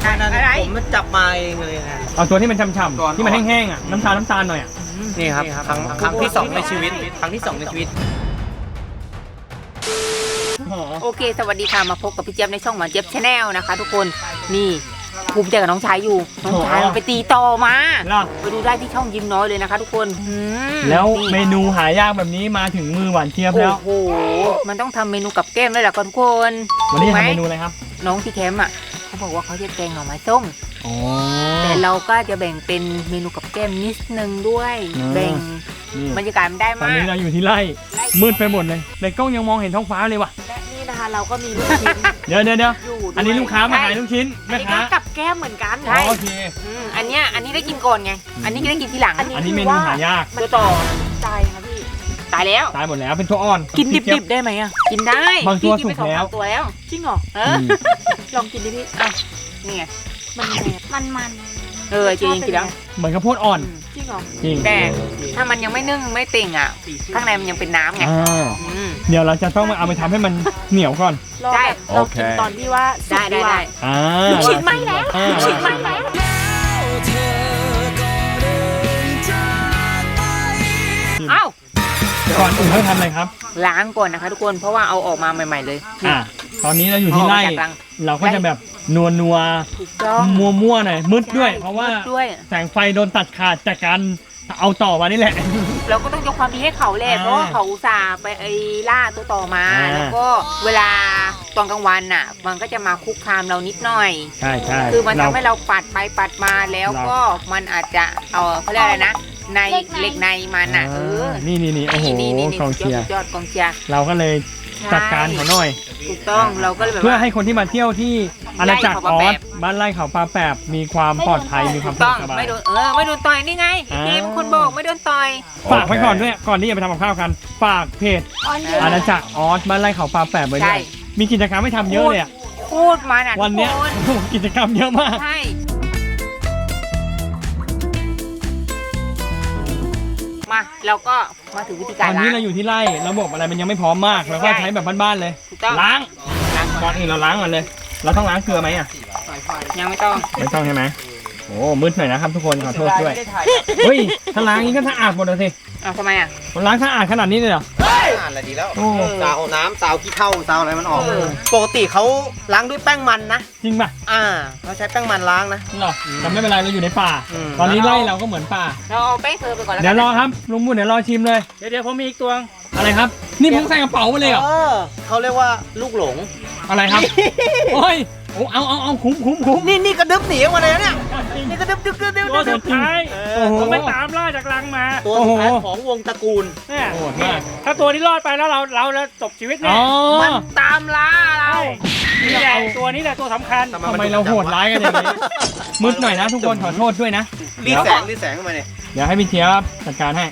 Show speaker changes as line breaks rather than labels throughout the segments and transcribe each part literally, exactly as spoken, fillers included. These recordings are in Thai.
อะไรผมมันจับมาเองเลยนะ
เอาตัวที่มันฉ่ำๆที่มันแห้งๆอ่ะน้ำตาลน้ำตาลหน่อยอ่ะ
นี่ครับครั้งครั้งที่สองในชีวิตครั้งที่สองในชีวิต
โอเคสวัสดีค่ะมาพบกับพี่เจี๊ยบในช่องหวานเจี๊ยบชาแนลนะคะทุกคนนี่ภูมิใจกับน้องชายอยู่น้องชายมันไปตีต่อมาไปดูได้ที่ช่องยิ้มน้อยเลยนะคะทุกคน
แล้วเมนูหายากแบบนี้มาถึงมือหวานเจี๊ยบแล้ว
โอ้โหมันต้องทำเมนูกับแก้มด้วยแหละทุกคน
วันนี้ทำเมนูอะไรครับ
น้องที่แคมป์อ่ะเขาบอกว่าเขาจะแกงหน่อไม้ส้มแต่เราก็จะแบ่งเป็นเมนูกับแก้มนิดนึงด้วยแบ่งบรรยากาศมันได้มาก
ตอนนี้เราอยู่ที่ไร่มืดไปหมดเลยในกล้องยังมองเห็นท้องฟ้าเลยว่ะ
และนี่นะคะเราก็มีลูกชิ้น
เดี๋ยวเดี๋ยวเดี๋ยวอันนี้ลูกค้ามาขายลูกชิ้น
อันนี้ก็กับแก้มเหมือนกัน
ใช่โอเค
อันเนี้ยอันนี้ได้กินก่อนไงอันนี้ก็ได้กินทีหลัง
อันนี้เมนูหายาก
ตัวต่อตายค่ะพี่ตายแล้ว
ตายหมดแล้วเป็นตัวอ่อน
กินดิบๆได้ไหมอ่ะกินได้
บางตัวสุกแล้ว
ตัวแล้วจริงเหรอเออลองกินดิพี่อ่ะนี่ไง
มันมันมัน
เออจริงกินแล้ว
เหมือนข้าวโพดอ่อน
จริงเหรอจริงแต่ถ้ามันยังไม่นึ่งไม่เต่งอ่ะข้างในมันยังเป็นน้ำไง
เดี๋ยวเราจะต้องมาเอาไปทำให้มันเหนียวก่อน
ใช่
เรากินตอนที่ว่า
ได้ได้ได้
ลูกชิ้นไหมแล้วลูกชิ้นไหมแล้ว
เอ้า
ก่อนอื่นต้องทำอะไรครับ
ล้างก่อนนะคะทุกคนเพราะว่าเอาออกมาใหม่ๆเลย
อ่าตอนนี้เราอยู่ที่ไร่เราก็จะแบบนัวนัวมัวมัวหน่อยมืดด้วยเพราะว่าแสงไฟโดนตัดขาดจากการเอาต่อมานี่แหละ
เราก็ต้องยกความดีให้เขาแหละเพราะว่าเขาอุตส่าห์ไปไอ้ล่าตัวต่อมาแล้วก็เวลาตอนกลางวันน่ะมันก็จะมาคุกคามเรานิดหน่อย
ใช่ใช่
คือมันทำให้เราปัดไปปัดมาแล้วก็มันอาจจะเอาเขาเรียกอะไรนะในเหล็กในมันอ่ะเออ
นี่นี่นี่โอ้โหกองเชียร์
ยอดกองเชียร์
เราก็เลยจัดการเขาหน่อย
ถูกต้องเราก็เลยแบบ
เพื่อให้คนที่มาเที่ยวที่อาณาจักรออสบ้านไร่เขาปลาแปบมีความปลอดภัยมีความสบาย
ไม่โดนเออไม่โดนต่อยนี่ไงเกมคนบอกไม่โดนต่อย
ฝากไว้ก่อนด้วยก่อนที่จะไปทำกับข้าวกันฝากเพจอาณาจักรออสบ้านไร่เขาปลาแปบไว้ด้วยมีกิจกรรมให้ทำเยอะเลยอ่ะ
โคตรมันอ่ะ
วันนี้กิจกรรมเยอะมาก
ใช่มาเราก็มาถึงวิธีการ
ล้างตอนนี้เราอยู่ที่ไร่ระบบอะไรมันยังไม่พร้อมมากเราก็ใช้แบบบ้านๆเลยล้างก่อนอื่นเราล้างก่อนเลยเราต้องล้างเกลือไหมอ่ะ
ยังไม่ต้อง
ไม่ต้องใช่ไหมโอ้มืดหน่อยนะครับทุกคนขอโทษด้วยเฮ้ยถ้าล้างนี้ก็สะอาดหมดเลยสิ
อ้าวทำไมอ่ะ
มันล้างสะอาดขนาดนี้เลยเหรอ
สะอาดอะไรดีแล้วซาวน้ำซาวขี้เถ้าซาวอะไรมันออกปกติเขาล้างด้วยแป้งมันนะ
จริงป่ะ
อ่าเขาใช้แป้งมันล้างนะ
หรอแต่ไม่เป็นไรเราอยู่ในป่าตอนนี้ไร่เราก็เหมือนป่า
เราเอาแป้งเธอไปก่อนแล้ว
เดี๋ยวรอครับลุงบุญเดี๋ยวรอชิมเลย
เดี๋ยวเดี๋ยวผมมีอีกตัว
อะไรครับนี่ผมใส่กระเป๋ามาเลยเหรอ
เขาเรียกว่าลูกหลง
อะไรครับโอ้ยโอ้เอาเอาเอาคุ้มคุ้มคุ้ม
นี่นี่กระดึ๊บหนีมาเลยเนี่ยนี่กระดึ๊บดึ๊บดึ๊บดึ๊บ
ตัวสุดท้าย
ผมไปตามล่าจากรังมา
ตัวสุดท้ายของวงตระกูล
เนี่ยถ้าตัวนี้รอดไปแล้วเราเราจะจบชีวิตเนี่ย
มันตามล่าเรา
นี่แหละตัวนี้แหละตัวสำคัญ
ทำไมเราโหดร้ายกันอย่างนี้มืดหน่อยนะทุกคนขอโทษด้วยนะ
รีแสงรีแสงเข้ามาเนี่ย
เดี๋ยวให้พี่เจี๊ยบจัดการให้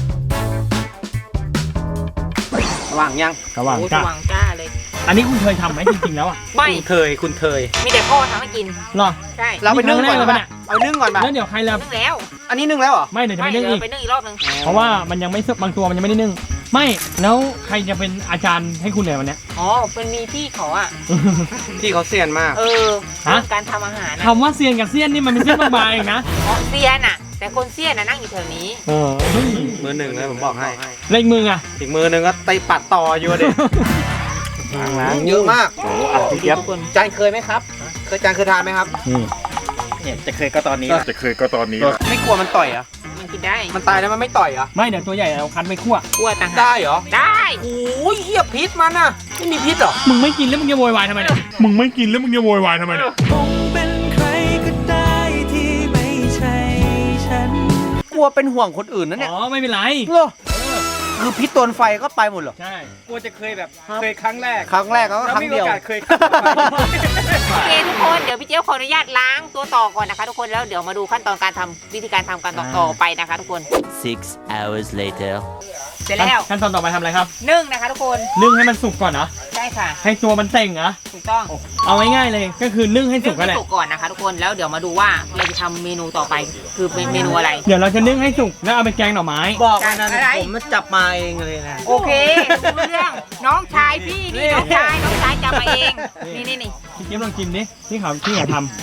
ว่างยัง
กระว่างจ้า
ว่างจ้าเลย
อันนี้คุณเคยทำไหมจริงๆแล้วอ่ะ
ไม่
เคยคุณเคย
มีแต่พ่อทำให้กิน
หรอ
ใช่
เราไปนึ่งก่อนเลยเอานึ่งก่อน
แล้วเดี๋ยวใคร
นึ่งแล้ว
อันนี้นึ่งแล้วเหรอ
ไม่เดี๋ยวจะไปนึ่งอีก
ไปนึ่งอีกรอบนึง
เพราะว่ามันยังไม่บางตัวมันยังไม่ได้นึ่งไม่แล้วใครจะเป็นอาจารย์ให้คุณเลยวันนี้
อ๋อเป็นมีพี่เขาอ่ะ
พี่เขาเซียนมาก
เออการทำอาหาร
คำว่าเซียนกับเซียนนี่มันเป็นเซียนบางๆเองนะ
อ๋อเซียนอ่ะแต่คนเซียนน่ะนั่งอยู่แถวนี้
เออ
มือหนึ่งเลยผมบอกให้
เล็กมืออ่ะ
อีกมือหนึ่งก็ไตปัดต่ออยู่เด็กล้างเยอะมาก
โอ้อ่ะพี่เจี๊ยบ
จานเคยไหมครับเคยจานเคยทานไหมครับ
นี่
เนี่ยจะเคยก็ตอนนี้
จะเคยก็ตอนนี้
ไม่กลัวมันต่อยอ่ะ
มันกินได้
มันตายแล้วมันไม่ต่อยอ่ะ
ไม่เดี๋ยวตัวใหญ่เราคั้นไปคั่ว
คั่วต่างหาก
ได้เหรอ
ได้
โอ้ยเหี้ยพิษมันอ่ะไม่มีพิษหรอ
มึงไม่กินแล้วมึงจะโวยวายทำไมเนี่ย
มึงไม่กินแล้วมึงจะโวยวายทำไมเนี่ย
คงเป็นใครก็ได้ที่ไม่ใช่ฉัน
กลัวเป็นห่วงคนอื่นนะเนี่ย
อ๋อไม่เป็นไร
เหรอคือพิษโดนไฟก็ไปหมดเหรอ
ใช่
กลัวจะเคยแบบเคยครั้งแรก
ครั้งแรกก็ครั้งเดียว
เคย
โอเคทุกคนเดี๋ยวพี่เจี๊ยบขออนุญาตล้างตัวต่อก่อนนะคะทุกคนแล้วเดี๋ยวมาดูขั้นตอนการทำวิธีการทำการต่อไปนะคะทุกคน
six hours later
เสร็จแล้ว
ขั้นตอนต่อไปทำอะไรครับ
นึ่งนะคะทุกคน
นึ่งให้มันสุกก่อนเนาะ
ใช่ค่ะ
ให้ตัวมันเต่งเหรอ
ถูกต้อง
เอาง่ายๆเลยก็คือนึ่งให้สุกกันแหละ
สุกก่อนนะคะทุกคนแล้วเดี๋ยวมาดูว่าเราจะทำเมนูต่อไปคือเป็นเมนูอะไร
เดี๋ยวเราจะนึ่งให้สุกแล้วเอาไปแกงหน่อไม้
บอกนะผมมันจับมาเองเลยนะ
โอเคเรื่องน้องชายพี่นี่น้องชายน้องชายจับมาเองนี่นี่นี่
พี่เจี๊ยบลองกินดิที่เขาที่เขาทำ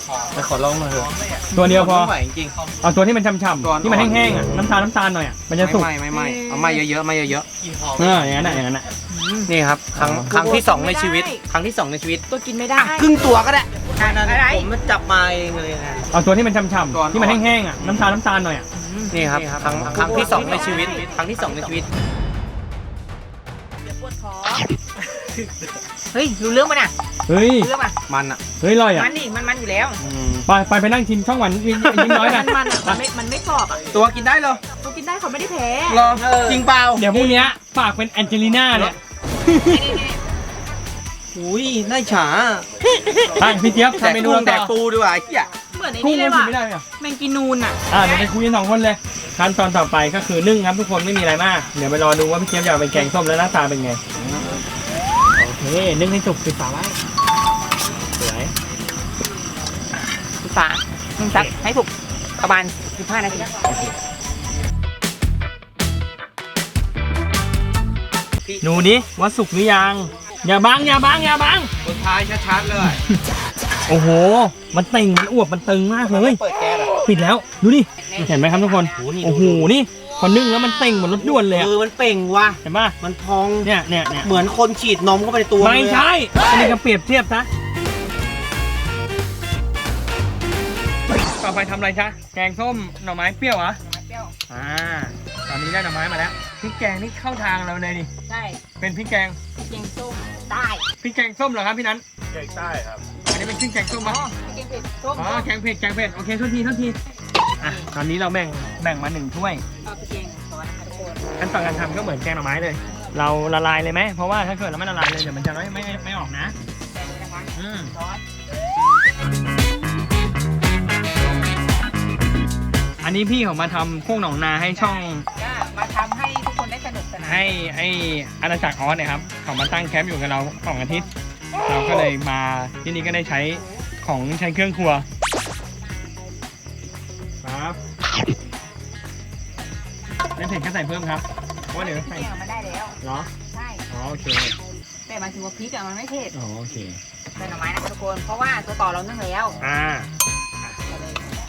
ไปขอลองหน่อยเถอะ
ตัวเดียวพอ
ไม่ไหวจริง
เอาตัวที่มันช่ำ
ก่อน
ๆที่มันแห้งๆอ่ะน้ำตาลน้ำตาลหน่อยอ่ะมันจะสุก
ไม่ไม่ไม่เอาไม่เยอะๆไม่เยอะ
เอออย่างนั้นอ่ะอย่างนั้นอ่ะ
ๆนี่ครับครั้งครั้งที่สองในชีวิต ครั้งที่สองในชีวิต
ตัวกินไม่ได้
ครึ่งตัวก็ได้
อะไร
ผมจับมาเองเลยนะ
เอาตัวที่มันช่ำ
ก่อน
ๆที่มันแห้งๆอ่ะน้ำตาลน้ำตาลหน่อยอ่ะ
นี่ครับครั้งครั้งที่สองในชีวิต ครั้งที่สองในชีวิต
เฮ้ยรู้เรื่องป่ะน่ะ
เฮ้ย
รู้เรื่องป่ะ
มันอ่ะ
เฮ้ยอร่อยอ่ะ
มันนี่มันมันอยู่แล้ว
ไปไปไปนั่งชิมช่องหวานยิ่งยิ่งน้อยกัน
มันมันมันไม่มันไม่กรอบอ่ะ
ตัวกินได้เหรอ
ตัวกินได้เขาไม่ได้แพ้
รอจริงเปล่า
เดี๋ยวพรุ่งนี้ฝากเป็นแองเจลิน่าเนี่ย
อุ้ยได้ฉา
ไปพี่เจี๊ยบ
แดก
ทำเมนู
กุ้งแด
ต่
ก
อ
ปูดีกว่าไอ้เหี้ย
เหมือนไอ้
กุ้ง
นี่เล
มัน
ย
กิน
ว่ะ
ไม่ได้ไหมอ่ะ
แมงกีนูนอ่ะ
อ่าเดี๋ยวไปคุยกันสองคนเลยขั้นตอนต่อไปก็คือนึ่งครับทุกคนไม่มีอะไรมากเดี๋ยวไปรอดูว่าพี่เจี๊ยบจะเอาเป็นแกงส้มแล้วหน้าตาเป็นไงโอเคนึ่งให้สุกปิดฝาไว้สวย
ฝาหนึ่งซักให้ถูกประมาณสิบห้านาที
หนูนี้ว่าสุกหรือยังอย่าบังอย่าบังอย่าบัง
คนท้ายชัดๆเลย
โอ้โหมันเต่งมันอวบมันตึงมากเลย
เปิดแก๊สอ่ะ
ปิดแล้วดูดิเห็นไหมครับทุกคนโอ้โหนี่พอนึ่งแล้วมันเต่งเหมือนรถด่วนเลยอะ
มือมันเป่งว่ะ
เห็นป่ะ
มันพอง
เนี่ยเนี่ยเนี่ย
เหมือนคนฉีดนมเข้าไปในตัว
ไม่
เลยอะ
ใช่อันนี้ก็เปรียบเทียบซะต่อไปทำอะไรจ๊ะแกงส้มหน่อไม้เปรี้ยวเหรอ
เปรี้ยว
อ่าตอนนี้ได้หน่อไม้มาแล้วพริกแกงนี่เข้าทางเราเลยดิ
ใช่
เป็นพริกแกง
เกียงส้มได้
พริกแกงส้มเหรอครับพี่นั้นแกงใต้ครับอันนี้เป็นพริกแกงส้มมั้ย
เกียงเผ็ดส้ม
อ๋อแกงเผ็ดแกงเผ็ดโอเคโทษทีโทษทีอ่ะตอนนี้เราแบ่งแบ่งมาหนึ่งถ้วย
เอาไปเกียงก่อนนะคะทุกคน
ขั้นตอนการทำก็เหมือนแกงหน่อไม้เลย เราละลายเลยไหมเพราะว่าถ้าเกิดเราไม่ละลายเลยเดี๋ยวมันจะไม่ไม่ไม่ออกนะ
ใส่เลยนะคะ
อืม
ซอส
อันนี้พี่เขามาทำโค้งหนองนาให้ช่อง
ก็มาทำให้ทุกคนได้สนุกสนาน
ให้ไออาณาจักรออสเนี่ยครับเขามาตั้งแคมป์อยู่กับเราสองอาทิตย์ เราก็เลยมาที่นี่ก็ได้ใช้ของใช้เครื่องครัวครับไม่เผ็ดก็ใส่เพิ่มครับเพราะว่าเดี๋ยว
เกี
ใส่
ยงมันได้แล้ว
เหรอ
ใช่
อ๋อโอเค
แต่หมายถึงว่าพริกอะมันไม่เผ็ด
อ๋อโอเค
ใส่หน่อไม้นะคะทุกคนเพราะว่าตัวต่อเรานึ่งแล้ว
อ่า
ใส่เลย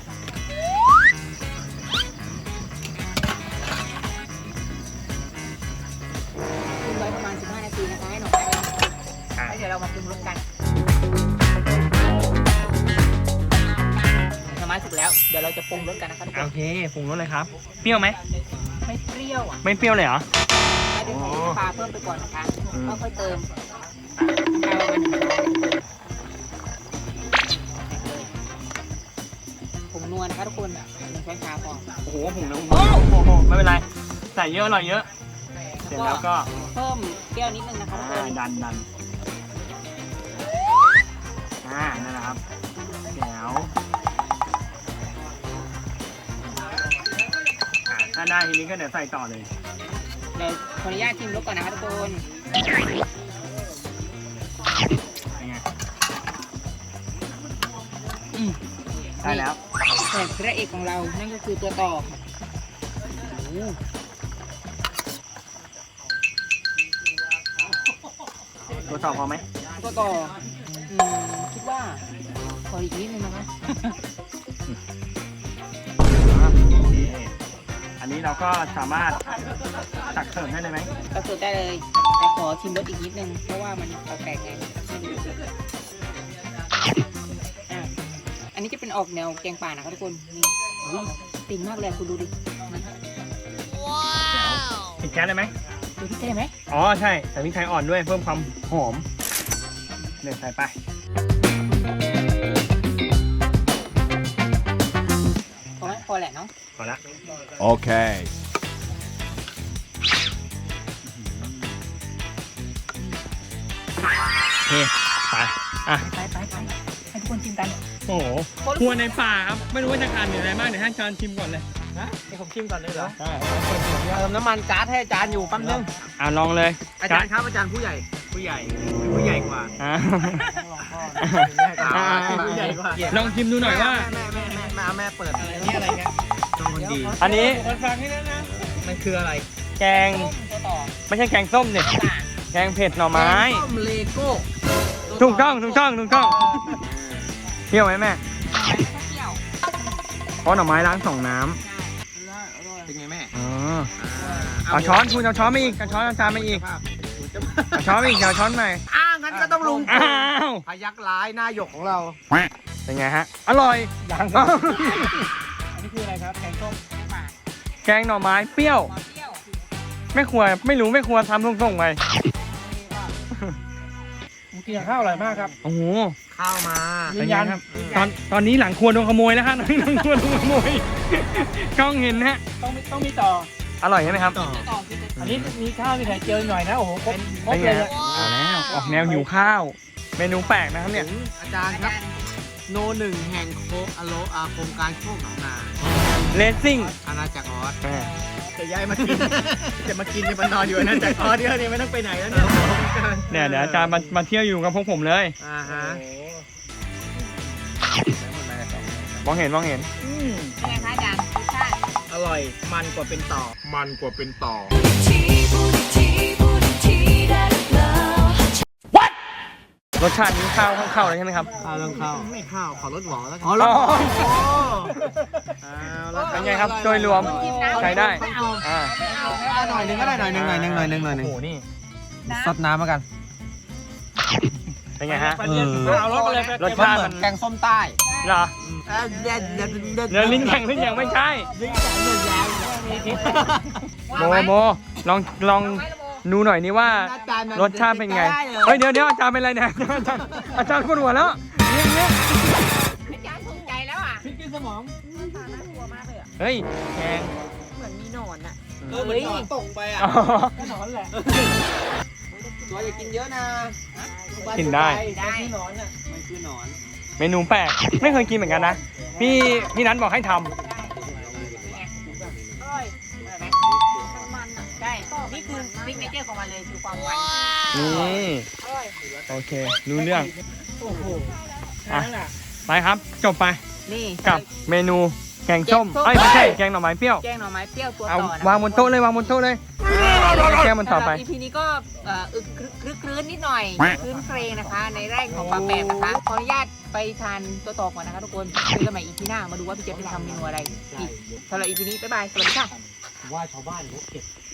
ทิ้งไว้ประมาณสิบห้านาทีนะคะให้หน่อไม้มันสุก
อ่า
แล้วเดี๋ยวเรามาปรุงรสกันหน่อไม้สุกแล้วเดี๋ยวเราจะปรุงรสกันนะคะทุกค
โอน เคปรุงรสเลยครับ เปรี้ยวไหม
ไม่เปรี้ยวอ่ะ
ไม่เปรี้ยวเลยเหรอ
แล้วเดี๋ยวใส่น้ำปลาเพิ่มไปก่อนนะคะ
อืม
ค่อยๆเติมเอามันผงนัวนะคะทุกคนหนึ่งช้อนชาพอ
โอ้โหผงน้ำโอ้โหไม่เป็นไร ใส่เยอะอร่อยเยอะ เสร็จแล้วก็
เพิ่มเปรี้ยวนิดนึงนะคะทุกค
อ่าน ดันดันอ่านั่นแหละครับแจ๋วอ่าถ้าได้ทีนี้ก็เดี๋ยวใส่ต่อเลย
เดี๋ยวขออนุญาตชิมรสก่อนนะคะทุกคน
เป็นไงอืมได้แล้ว
แต่พระเอกของเรานั่นก็คือตัวต่อโอ้โห
ตัวต่อพอไหม
ตัวต่ออืมคิดว่าขออีกนิดนึงนะคะ
อันนี้เราก็สามารถตักเสิร์ฟได้เลยไหม
ก็เสิร์ฟได้เลยแต่ขอชิมรสอีกนิดนึงเพราะว่ามันแปลกๆไงอ่ะอันนี้จะเป็นออกแนวแกงป่านะคะทุกคนนี่อุ้ยติ่งมากเลยคุณดูดิ
ปิดแก๊สได้ไหม
ดูพี่เต้ไหม
อ๋อใช่แต่พริกไทยอ่อนด้วยเพิ่มความหอมเนี่ยใส่ไป
พอไหมพอแหละเนาะ
พอละ
Okay.
โอเคไปอ่ะ
ไปไปไปให้ทุกคนชิมกัน
โอ้โหครัวในป่าครับไม่รู้ว่าจะขาดเหลืออะไรบ้างเดี๋ยวให้อาจารย์ชิมก่อนเลยนะให้ผมชิมก่อนเลยเหรอใช่
เติมน้ำมันก๊าซให้อาจารย์อยู่แป๊บนึง
อ่ะลองเลย
อาจารย์ครับอาจารย์ผู้ใหญ่ ผู้ใหญ่ ผู้ใหญ่กว่า
อ่ะ
อ่า
อ่ะ
ผู้ใหญ่กว่า
ลองชิมดูหน่อยว่า
แม่แม่แม่แม่แม่เปิดอะไรนี่อะไรเนี่ยต้องคนดี
อันนี้
มันคืออะไร
แกง
ตัวต่อ
ไม่ใช่แกงส้มเนี่ยแกงเผ็ดหน่อไม้
ต้มเลโก้
ถูกต้องถูกต้องถูกต้องเที่ยวไหมแม่เพราะหน่อไม้ล้างสองน้
เป็นไงแม่
ำอ๋อเอาช้อนคุณเอาช้อนมาอีกเอาช้อนเอาจานมาอีกเอาช้อนมาอีกเอาช้อนใหม่
อ้างั้นก็ต้องลุง
อ้าว
พยักร้ายหน้าหยกของเรา
เป็นไงฮะอร่อย
ยังครับอันนี้คืออะไรครับแกงส้ม
แกงหน่อไม้เปรี้ยวแม่ครัวไม่รู้แม่ครัวทำส่งๆไป
ผมกินกับข้าวอร่อยมากครับ
โอ้โห
ข้าวมา
ยืนยัน
เป็นไงครับ ตอนตอนนี้หลังครัวโดนขโมยแล้วฮะ หลังครัวโดนขโมยกล้องเห็นนะฮะ
ต้องมีต้องมีต่อ
อร่อยใช่ไหมครับ
อันนี้มีข้าวมีไข่เจียวหน่อยนะโอ้โหครบครบ
เป็นไง
เลย
ฮะเอาแล้วออกแนวหิวข้าว เมนูแปลกนะครับเนี่ย
อาจารย์ครับ โนหนึ่งแห่งโคกอโลอาโครงการโคกหนองนา
เลสซิ่ง
อาณาจักรออส
อ่า
จะย้ายมากิน จะมากินจะมานอนอยู่อาณาจักรออสเดี๋ยวนี้ไม่ต้องไปไหนแล้วเนี่ย
เนี่ยเดี๋ยวอาจารย์มามาเที่ยวอยู่กับพวกผมเลย
อ่าฮะ
มองเห็นมองเห็น
เป็นไงคะอาจารย์รสชาติ
อร่อยมันกว่าเป็นต่อ
มันกว่าเป็นต่อ
รสชาตินี้ข้าวเข้าๆเลยใช่ไหมครับ
ข้าวต้องข้าวไม่ข้าวขอรสหวานแล้วกัน
อ๋อ
อ๋อ
เป็นไงครับโดยรวมใช้ได้อ่า
หน่อยนึงก็ได้หน่อยนึงหน่อยนึงหน่อยนึงหน่อยนึง
โอ้โหนี่
ซดน้ำมากัน
เป็นไงฮะ
เออ
เอารถมาเลย
รสชาติมัน
แกงส้มใต้
เหรอ
เอ่อเด็ดเด็ดเด็ด
เนื้อลิ้นแข็งลิ้นแข็งไม่ใช่โมโมลองลองดูหน่อยนี่ว่า รสชาติเป็นไง เฮ้ยเดี๋ยวเดี๋ยวอาจารย์เป็นไรเนี่ยอาจารย์อาจารย์ปวดหัวแล้วเนี่ยเนี่ย
อาจารย์ถูกใจแล้วอ่ะ
พริกกินสมอง
เฮ้ยแกง
เหมือนมีหนอนอ่ะ
เออเหมือนหนอนตกไปอ่ะ
อ๋อ
ก็หนอนแหละ
ตัวอย่ากินเยอะนะ
กินได้
ได้
หนอนอ่ะ
มันคือหนอน
เมนูแปลกไม่เคยกินเหมือนกันนะ พี่พี่นัทบอกให้ทำ
อร่อยอร่อยไหมมันอ่ะใช่นี่คือซิกเนเจอร์ของมันเลยคือความหวาน
นี่โอเค รู้เรื่อง
โอ้โห
อ่ะ
นั่นแหละ
ไปครับจบไป
นี่
กับเมนูแกงส้ม
แกงส้ม
เอ้ยไม่ใช่แกงหน่อไม้เปรี้ยว
แกงหน่อไม้เปรี้ยวตัว
เอา
ต่อนะ
วางบนโต๊ะเลยวางบนโต๊ะเลยแกงมันต่อไป
อีพีนี้ก็เอ่ออึกครึกครึกครื้นนิดหน่อยครื้นเครงนะคะ ในแรกของปลาแปบนะคะขออนุญาตไปทานตัวต่อก่อนนะคะทุกคนเจอกันใหม่อีพีหน้ามาดูว่าพี่เจฟจะทำเมนูอะไรอีกสำหรับอีพีนี้บ๊ายบายสวัสดีค่ะ
ว่าชาวบ้านเขาเก็บ